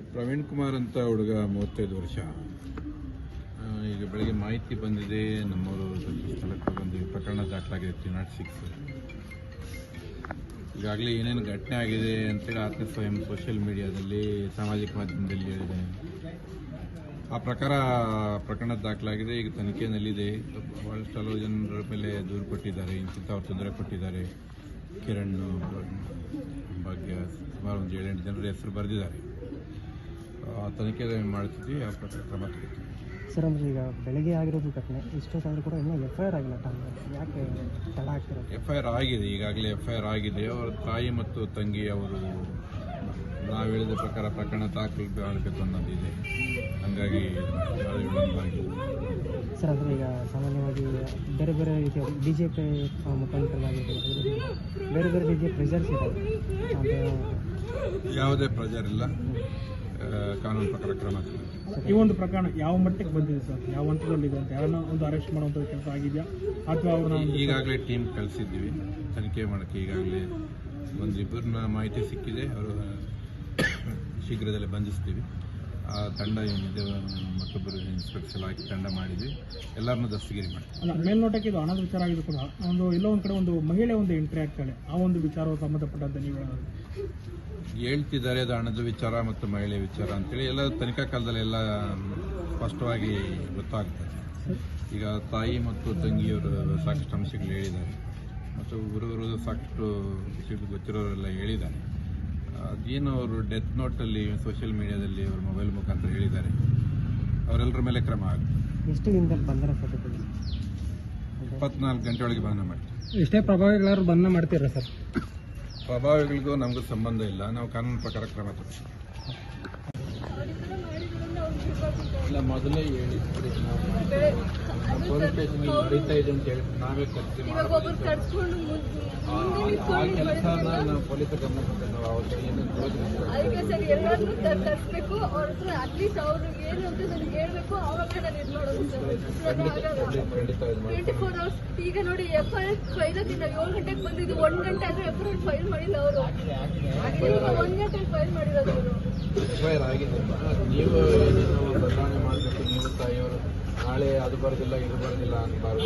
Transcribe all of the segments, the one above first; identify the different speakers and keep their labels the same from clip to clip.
Speaker 1: ಪ್ರವೀಣ್ ಕುಮಾರ್ ಅಂತ ಹುಡುಗ 35 ವರ್ಷ. ಈಗ ಬೆಳಗ್ಗೆ ಮಾಹಿತಿ ಬಂದಿದೆ, ನಮ್ಮವರು ಸ್ಥಳಕ್ಕೆ ಬಂದು ಪ್ರಕರಣ ದಾಖಲಾಗಿದೆ 306. ಈಗಾಗಲೇ ಏನೇನು ಘಟನೆ ಆಗಿದೆ ಅಂತೇಳಿ ಆತ್ಮ ಸ್ವಯಂ ಸೋಷಿಯಲ್ ಮೀಡಿಯಾದಲ್ಲಿ ಸಾಮಾಜಿಕ ಮಾಧ್ಯಮದಲ್ಲಿ ಹೇಳಿದೆ. ಆ ಪ್ರಕರಣ ದಾಖಲಾಗಿದೆ. ಈಗ ತನಿಖೆಯಲ್ಲಿದೆ. ಬಹಳಷ್ಟು ಹಲವು ಜನರ ಮೇಲೆ ದೂರು ಕೊಟ್ಟಿದ್ದಾರೆ, ಇಂಥವ್ರು ತೊಂದರೆ ಕೊಟ್ಟಿದ್ದಾರೆ. ಕಿರಣ್, ಭಾಗ್ಯ, ಸುಮಾರು ಒಂದು 7-8 ಜನರ ಹೆಸರು ಬರೆದಿದ್ದಾರೆ. ತನಿಖೆ ಮಾಡ್ತಿದ್ವಿ, ಆ ಪ್ರಕಾರ ಕ್ರಮ ತೆಗೆದುತೀವಿ.
Speaker 2: ಸರ್, ಅಂದರೆ ಈಗ ಬೆಳಗ್ಗೆ ಆಗಿರೋದು ಘಟನೆ ಇಷ್ಟೊತ್ತಾದರೂ ಕೂಡ ಇನ್ನೂ FIR ಆಗಿಲ್ಲ, ಯಾಕೆ ತಡ ಆಗ್ತಿರೋದು?
Speaker 1: FIR ಆಗಿದೆ, ಈಗಾಗಲೇ FIR ಆಗಿದೆ. ಅವರ ತಾಯಿ ಮತ್ತು ತಂಗಿ ಅವರು ನಾವು ಹೇಳಿದ ಪ್ರಕಾರ ಪ್ರಕರಣ ದಾಖಲು ಮಾಡಬೇಕು ಅನ್ನೋದಿದೆ. ಹಾಗಾಗಿ
Speaker 2: ಸರ್, ಅಂದರೆ ಈಗ ಸಾಮಾನ್ಯವಾಗಿ ಬೇರೆ ಬೇರೆ ರೀತಿಯ BJP ಮುಖಂಡರಾಗಿರ್ಬೋದು, ಬೇರೆ ಬೇರೆ ರೀತಿಯ ಪ್ರೆಷರ್ಸ್ ಇದೆ.
Speaker 1: ಯಾವುದೇ ಪ್ರೆಷರ್ ಇಲ್ಲ, ಕಾನೂನು ಪ್ರಕಾರ ಕ್ರಮ.
Speaker 3: ಈ ಒಂದು ಪ್ರಕರಣ ಯಾವ ಮಟ್ಟಕ್ಕೆ ಬಂದಿದೆ ಸರ್? ಯಾವ ಹಂತದಲ್ಲಿದೆ ಅಂತ ಯಾರನ್ನ ಒಂದು ಅರೆಸ್ಟ್ ಮಾಡುವಂಥ ಕೆಲಸ ಆಗಿದೆಯಾ ಅಥವಾ ಅವ್ರನ್ನ?
Speaker 1: ಈಗಾಗಲೇ ಟೀಮ್ ಕಳಿಸಿದ್ದೀವಿ ತನಿಖೆ ಮಾಡೋಕ್ಕೆ. ಈಗಾಗಲೇ ಒಂದಿಬ್ಬರನ್ನ ಮಾಹಿತಿ ಸಿಕ್ಕಿದೆ, ಅವರು ಶೀಘ್ರದಲ್ಲೇ ಬಂಧಿಸ್ತೀವಿ. ಆ ತಂಡ ಏನಿದೆ, ಮತ್ತೊಬ್ಬರು ಇನ್ಸ್ಪೆಕ್ಷನ್ ಹಾಕಿ ತಂಡ ಮಾಡಿದ್ವಿ. ಎಲ್ಲರನ್ನೂ ದಸ್ತಗಿರಿ ಮಾಡ್ತೀವಿ.
Speaker 3: ಅಲ್ಲ, ಮೇಲ್ನೋಟಕ್ಕೆ ಇದು ಹಣದ ವಿಚಾರ ಆಗಿದೆ ಕೂಡ. ಎಲ್ಲೋ ಒಂದು ಕಡೆ ಒಂದು ಮಹಿಳೆ ಒಂದು ಎಂಟ್ರಿ ಆಗ್ತಾಳೆ, ಆ ಒಂದು ವಿಚಾರವು ಸಂಬಂಧಪಟ್ಟಂತೆ ನೀವು
Speaker 1: ಹೇಳ್ತಿದ್ದಾರೆ. ಅದು ಹಣದ ವಿಚಾರ ಮತ್ತು ಮಹಿಳೆ ವಿಚಾರ ಅಂತೇಳಿ ಎಲ್ಲ ತನಿಖಾ ಕಾಲದಲ್ಲಿ ಎಲ್ಲ ಸ್ಪಷ್ಟವಾಗಿ ಗೊತ್ತಾಗ್ತದೆ. ಈಗ ತಾಯಿ ಮತ್ತು ತಂಗಿಯವರು ಸಾಕಷ್ಟು ಅಂಶಗಳು ಹೇಳಿದ್ದಾರೆ, ಮತ್ತು ಗುರುವರು ಸಾಕಷ್ಟು ವಿಷಯಗಳು ಗೊತ್ತಿರೋರೆಲ್ಲ ಹೇಳಿದ್ದಾರೆ. ಅದೇನು ಅವರು ಡೆತ್ ನೋಟಲ್ಲಿ ಸೋಷಿಯಲ್ ಮೀಡಿಯಾದಲ್ಲಿ ಅವ್ರ ಮೊಬೈಲ್ ಮುಖಾಂತರ ಹೇಳಿದ್ದಾರೆ. ಅವರೆಲ್ಲರ ಮೇಲೆ ಕ್ರಮ ಆಗುತ್ತೆ.
Speaker 2: ಎಷ್ಟು ದಿನದಲ್ಲಿ ಬಂಧನ ಸಾಧ್ಯತೆ?
Speaker 1: 24 ಗಂಟೆ ಒಳಗೆ ಬಂಧನ ಮಾಡ್ತೀವಿ.
Speaker 2: ಎಷ್ಟೇ ಪ್ರಭಾವಿಗಳಾದ್ರು ಬಂಧನ ಮಾಡ್ತೀರಾ ಸರ್?
Speaker 1: ಪ್ರಭಾವಿಗಳಿಗೂ ನಮಗೂ ಸಂಬಂಧ ಇಲ್ಲ, ನಾವು ಕಾನೂನು ಪ್ರಕಾರ ಕ್ರಮ ತಗೋತೀವಿ. ಇಲ್ಲ, ಮೊದಲೇ ಹೇಳಿ ಪೊಲೀಸ್ ಸ್ಟೇಷನ್ ನಡೀತಾ ಇದೆ ಅಂತ ಹೇಳಿ ನಾವೇ ಕರ್ಸಿ ಆ ಕೆಲಸನ ನಾವು ಪೊಲೀಸರ ಗಮನಕ್ಕೆ ನಾವು ಅವತ್ತು ಏನೇನು
Speaker 4: ಅದಕ್ಕೆ ಸರ್ ಎಲ್ಲರನ್ನೂ ಕರ್ಸ್ಬೇಕು, ಅವ್ರ ಹತ್ರ ಅಟ್ಲೀಸ್ಟ್ ಅವ್ರಿಗೆ ಏನು ಅಂತ ನನಗೆ ಹೇಳ್ಬೇಕು, ಆವಾಗ ನಾನು ಇದು ಮಾಡೋದು ಸರ್. 24 hours. ಈಗ ನೋಡಿ FIR ಫೈಲಕ್ಕಿಂತ 7 ಗಂಟೆಗೆ ಬಂದಿದ್ದು, 1 ಗಂಟೆ ಆದರೆ FIR ಫೈಲ್ ಮಾಡಿಲ್ಲ ಅವರು. 1 ಗಂಟೆಗೆ ಫೈಲ್ ಮಾಡಿರೋದು ಅವರು.
Speaker 1: FIR ಆಗಿದೆ. ನೀವು ಏನೇನು ಬದಲಾವಣೆ ಮಾಡಬೇಕು, ನೀವು ತಾಯಿಯವರು ನಾಳೆ ಅದು ಬರೋದಿಲ್ಲ ಇದು ಬರೋದಿಲ್ಲ ಅನ್ನಬಾರ್ದು.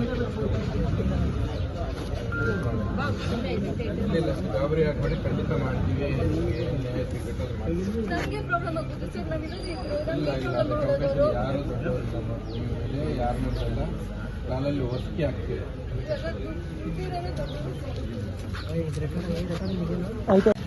Speaker 1: ಇಲ್ಲ, ಗಾಬರಿ ಹಾಕಿ ಖಂಡಿತ ಮಾಡ್ತೀವಿ. ನ್ಯಾಯ ಸಿಗಬೇಕು ಅದು ಮಾಡ್ತೀವಿ.
Speaker 4: ನನಗೆ ಪ್ರಾಬ್ಲಮ್ ಆಗ್ಬೋದು ಸರ್.
Speaker 1: ಇಲ್ಲ ಯಾರು ದೊಡ್ಡವರಿಲ್ಲ, ಭೂಮಿ ಮೇಲೆ ಯಾರನ್ನೂ ಇಲ್ಲ. ಕಾಲಲ್ಲಿ ಹೊಸಿಕೆ ಆಗ್ತಿದೆ.
Speaker 2: ಆಯ್ತು.